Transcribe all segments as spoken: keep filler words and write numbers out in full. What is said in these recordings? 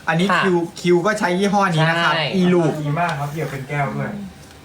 อันนี้ค่ะคิวคิวก็ใช้ยี่ห้อนี้นะครับใช่อีลูกดีมากครับเกี่ยวเป็นแก้วด้วย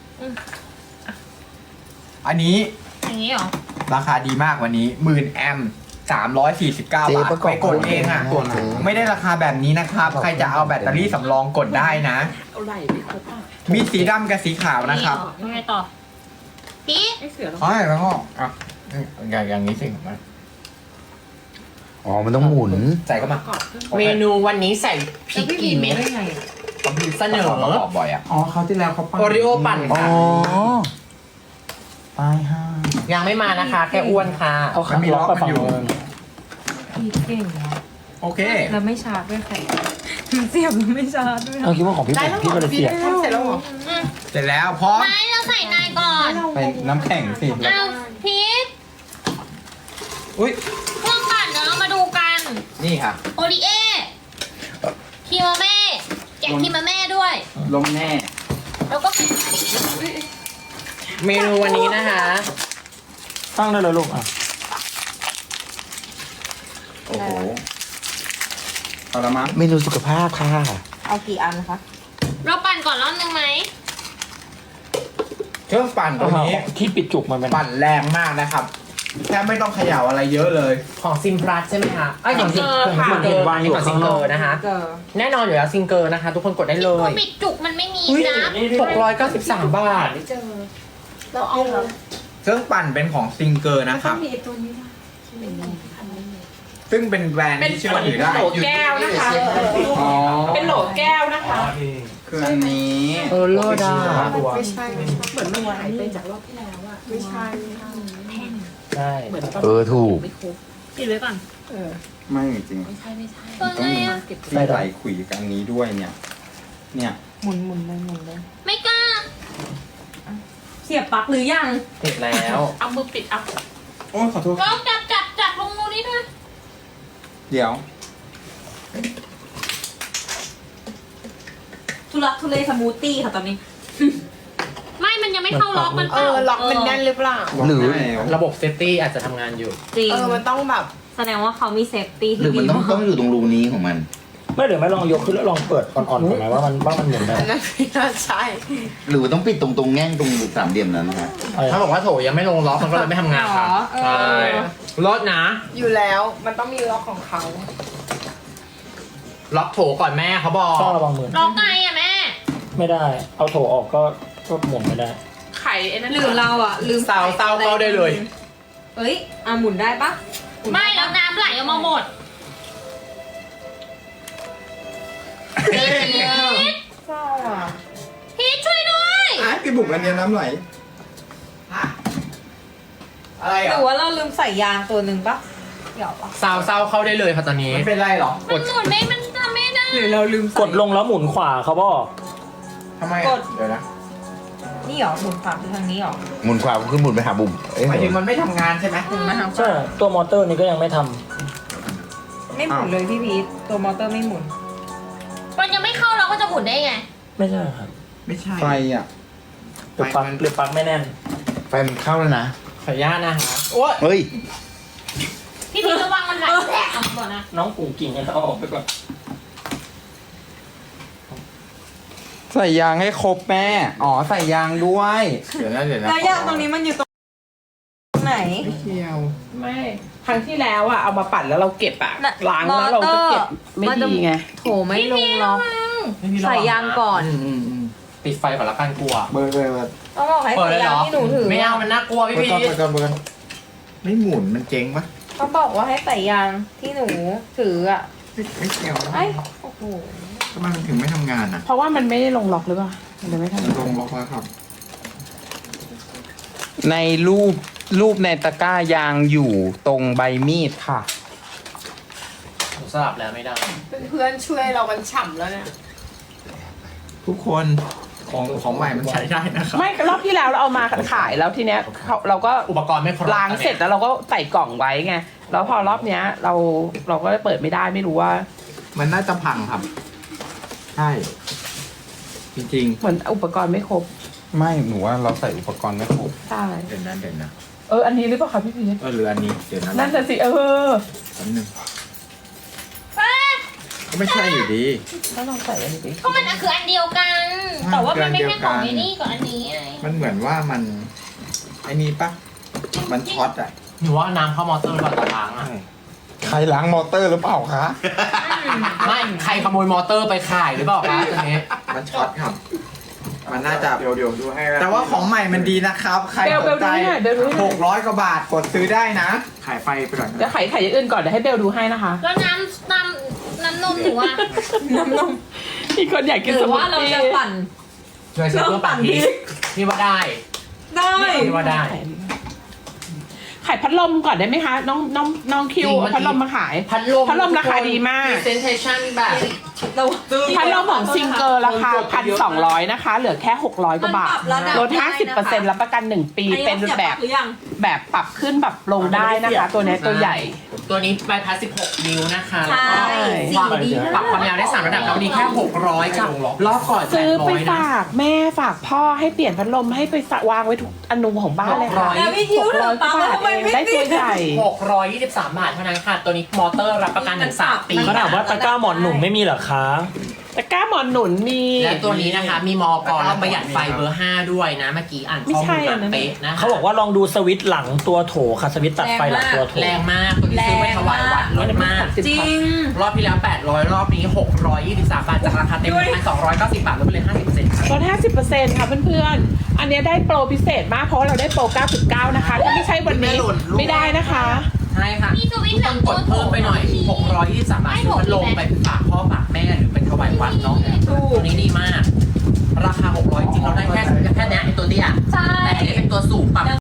อันนี้อย่างนี้เหรอราคาดีมากวันนี้หมื่นแอมสามร้อยสี่สิบเก้าเจ๊บาทประกอบไปกดเองอ่ะตัวไหนไม่ได้ราคาแบบนี้นะครับ ใครจะเอาแบตเตอรี่สำรองกดได้นะเอาไหล่ไปครบอ่ะมีสีดำกับสีขาวนะครับยังไงต่อพี่ไอ้เสือเราอ๋อแล้วก็อ่ะอย่างอย่างนี้สิมาอ๋อมันต้องหมุนใส่เข้ามากรอบเครื่องเมนูวันนี้ใส่พริกกี่เม็ดได้ไงอะเสนอประกอบบ่อยอ่ะอ๋อเขาวที่แล้วเขาปั้นโอริโอปั่นอ๋อค่ะตายห่ายังไม่มานะคะ แค่อ้วนค่ะเอาขาล็อกไปฝั่งนึงพี่เก่งเนาะโอเคแล้วไม่ชาร์จด้วยใครเสียบแล้วไม่ชาร์จด้วยเอาคิดว่าของพี่ได้เป็นแล้วเหรพี่อมาเลเซียทำเสร็จแล้วเหรอเสร็จแล้วพร้อมไม่เราใส่นายก่อนไปน้ำแข็งสิเอาพีทอุ้ยเครื่องปั่นเดี๋ยวเรามาดูกันนี่ค่ะโอริเอคีมาเม่แจกคีมาเม่ด้วยลมแน่แล้วก็เมนูวันนี้นะคะตั้งได้เลยลูกอ่ะโอ้โหเอาละมั้งเมนูสุขภาพค่ะเอากี่อันคะเราปั่นก่อนรอบนึงไหมเครื่องปั่นตัวนี้ที่ปิดจุกมันเป็นปั่นแรงมากนะครับแทบไม่ต้องเขย่าอะไรเยอะเลยของซิมพลัสใช่ไหมคะไอ้ยของซิมผมเห็นเห็นวางอยู่ของซิข้างงนเกออก ร์นะคะ แน่นอนอยู่แล้วซิงเกอร์นะคะ ทุกคนกดได้เลตัวย ปิดจุกมันไม่มีนะหกร้อยเก้าสิบสามบาทไม่เจอเราเอาเครื่องปั่นเป็นของซิงเกอร์นะครับมีตัวนี้ด้วยเป็นอันนี้ซึ่งเป็นแบรนด์ที่เชื่อถือได้โหลแก้วนะคะอ๋อเป็นโหลแก้วนะคะคืออันนี้เออโลดาตัวไม่ใช่ไม่ใช่เหมือนมันหายไปจากรอบที่แล้วอะไม่ใช่ไม่ใช่ใช่เหมือนตนเออถูกไม่ครบปิดไว้ก่อนเออไม่จริงไม่ใช่ไม่ใช่ตัวไงอะเก็บที่ไหลขุยกันนี้ด้วยเนี่ย เนี่ยหมุนหมุนเลยหมุนเลย ไม่กล้าเสียบปลั๊กหรือยังติดแล้วเอามือปิดเอาโอ้ยขอโทษลองจับจับจับลงตรงนี้ด้วยเดี๋ยวทุลักทุเลสมูทตี้ค่ะตอนนี้ไม่มันยังไม่เข้าล็อกมันเออล็อกมันแน่นหรือเปล่าหรือระบบเซฟตี้อาจจะทำงานอยู่จริงเออมันต้องแบบแสดงว่าเขามีเซฟตี้หรือที่มันดีต้องมากต้องอยู่ตรงรูนี้ของมัน ไม่เดี๋ยวไม่ลองยกขึ้นแล้วลองเปิดอ่อนๆก่อนไหมว่ามันว่ามันหมุนได้อันนั้นไม่น่าใช่หรือว่าต้องปิดตรงตรงแง่งตรงสามเหลี่ยมนั้นนะฮะถ้าบอกว่าโถยังไม่ลงล็อกมันก็เลยไม่ทำงานค่ะใช่รถนะอยู่แล้วมันต้องมีล็อกของเขาล็อกโถก่อนแม่เขาบอกต้องระวังมือล็อกไงอะแม่ไม่ได้ เอาโถออกก็ก็หมุนไม่ได้ไข่ไอ้นั่นหรือเราอ่ะ ลืมเตาเตาเข้าได้เลยเอ้ยอ่ะหมุนได้ปะหนไม่ด้แล้ปะวน้ำไหลออกมาหมดเศร้าอ่ะพีทช่วยด้วยอ่ะพี่บุ๋มอันเนี้ยน้ำไหลอะไรหอ่ะรือว่าเราลืมใส่ยางตัวหนึ่งปะเดี๋ยวปะซาวเศร้าเข้าได้เลยค่ะตอนนี้ไม่เป็นไรหรอมันหมุนไม่มันทำไม่ได้หรือเราลืมใส่กดลงแล้วหมุนขวาเขาบอกทำไมกอ่ะดเดี๋ยวนะนี่เหรอหมุนขวาคือทางนี้เหรอหมุนขวาคือหมุนไปหาบุ๋มเอ้ยหมายถึงมันไม่ทำงานใช่ไหมหมุนมาทางขใช่วาตัวมอเตอร์นี้ก็ยังไม่ทำไม่หมุนเลยพี่พีทตัวมอเตอร์ไม่หมุนมันยังไม่เข้าเราก็จะหมุนได้ไงไม่ใช่ครับไม่ใช่ไฟอ่ะหรือปลั๊กหรือปลั๊กไม่แน่นไฟมันเข้าแล้วนะขออนุญาตนะคะโอ้ยเฮ้ยพี่พีทระวังมันไหลแตกออกมาก่อนนะน้องกูกิ่งให้เอาออกไปก่อนใส่ยางให้ครบแม่ อ๋อใส่ยางด้วยเดี๋ยวนะเดี๋ยวนะแล้วยางตรงนี้มันอยู่ตรงไหนไม่เกี่ยวไม่ครั้งที่แล้วอ่ะเอามาปั่นแล้วเราเก็บอ่ะน่ะล้างแล้วเราจะเก็บไม่มันจะดีไงโถไม่ลงล็อก ใส่ยางก่อนอืมอืมอืมปิดไฟก่อนละกันกลัวเบอร์เบอร์เบอร์ต้องบอกให้เปิดใส่เลยเหยาร งอที่หนูถือไม่เอามันน่ากลัวพี่เบอพีร์ก่อนเบอร์ก่อนเบอร์ก่อนไม่หมุนมันเจ๊งปะเขาบอกว่าให้ใส่ยางที่หนูถืออ่ะไม่ไม่เกี่ยวนะไอ้โอ้โหทำไมมันถึงไม่ทำงานอ่ะเพราะว่ามันไม่ได้ลงล็อกหรือเปล่ามันเลยไม่ทำมันลงล็อกแล้วครับในรูปรูปในตะกร้ายางอยู่ตรงใบมีดค่ะหนูสลับแล้วไม่ได้เพื่อนช่วยเรามันฉ่ำแล้วเนี่ยทุกคนของของใหม่มันใช้ได้นะครับไม่รอบที่แล้วเราเอามาขายแล้วทีเนี้ยเขาเราก็อุปกรณ์ไม่ครบล้างเสร็จแล้วเราก็ใส่กล่องไว้ไงแล้วพอรอบเนี้ย เราเราก็เปิดไม่ได้ไม่รู้ว่ามันน่าจะพังครับ ใช่ จริงเหมือนอุปกรณ์ไม่ครบไม่หนูว่าเราใส่อุปกรณ์ไม่ครบใช่ๆ เดี๋ยวนะเดี๋ยวนะเอออันนี้หรือเปล่าคะพี่พีชเออหรืออันนี้เดี๋ยวนะนั่นจะสิเออแป๊บนึงไม่ใช่อยู่ดีก็ลองใส่อันนี้ดิก็มันอะคืออันเดียวกัน แต่ว่ามันไม่ใช่ของไอ้นี่กับอันนี้ไงมันเหมือนว่ามันไอ้นี่ปะมันช็อตอ่ะหนูว่าน้ำเข้ามอเตอร์ก่อนตอนล้างอ่ะใครล้างมอเตอร์หรือเปล่าคะไม่ใครขโมยมอเตอร์ไปขายหรือเปล่าคะตอนนี้มันช็อตครับ มันน่าจะเดี๋ยวเดี๋ยวดูให้นะแต่ว่าของใหม่มันดีนะครับ ใครเบลสเบลนดูใจให้หน่อยเบลดูให้หหน่อยกร้อยกว่าบาทกดซื้อได้นะขายไฟไปก่อนเดี๋ยวไข่ไข่อย่างอื่นก่อนเดี๋ยวให้เบลดูให้นะคะแล้วน้ำน้ำน้ำนมหนูอะน้ำนมมีคนอยากกินหสรือมูทว่าเราตี้จะปั่นช่วยซื้อเพื่อปั่นพริกพี่ว่าได้ได้พี่ว่าได้ขายพัดลมก่อนได้ไหมคะ น้องน้องน้องคิวจริงเอาพัดลมมาขายพัดลมพัดลมราคาดีมากพรีเซนเทชันแบบเราพัดลมของซิงเกิลราคาพันสองร้อยนะคะ เหลือแค่หกร้อยกว่าบาท ลดห้าสิบเปอร์เซ็นต์รับประกันหนึ่งปี เป็นแบบหรือยังแบบปรับขึ้นแบบลงได้นะคะ ตัวเนี้ยตัวใหญ่ตัวนี้ใบพัดสิบหกนิ้วนะคะใช่แล้วก็สีดีปรับความยาวได้สามระดับแล้วดีแค่หกร้อยกับรอบก่อนแปซื้ดอร้ไปอยนะฝากแม่ฝากพ่อให้เปลี่ยนพัดลมให้ไปวางไว้ทุกอนูของบ้านเลยค่ะแล้วพี่คิวหกร้อยกว่าบาททำไมเองไม่ได้ตัวติดใหญ่หกร้อยยี่สิบสามบาทเท่านั้นค่ะ ตัวนี้มอเตอร์รับประกันถึงสามปีก็ถามว่าตะกร้าหมอนหนุ่มไม่มีเหรอคะตะกร้าหมอนหนุนมีและตัวนี้นะคะ มีมอกรและประหยัดไฟเบอร์ห้าด้วยนะ เมื่อกี้อ่านข้อมูลมาเป๊ะนะคะเขาบอกว่าลองดูสวิตช์หลังตัวโถค่ะสวิตช์ตัดไฟหลังตัวโถแรงมาก ตัวนี้ซื้อไปถวายวัดลดมากจริงรอบที่แล้วแปดร้อยรอบนี้หกร้อยยี่สิบสามบาท จากราคาเต็มพันสองร้อยเก้าสิบบาทลดไปเลยห้าสิบเปอร์เซ็นต์ลดห้าสิบเปอร์เซ็นต์ค่ะเพื่อนๆ อันเนี้ยได้โปรพิเศษมากเพราะว่าเราได้โปรเก้าสิบเก้านะคะ ถ้าไม่ใช่วันนี้ไม่ได้นะคะใช่ค่ะมีสวิตช์หลังกดเพิ่มไปหน่อยหกร้อยยี่สิบสามบาทซื้อพัดลมไปฝากพ่อฝากแม่หรือเป็นถวายวัดเนาะตัวนี้ดีมาก ราคาหกร้อยจริงเราได้แค่แค่เนี้ยไอตัวเตี้ยใช่แต่อันนี้เป็นตัวสูงปรับ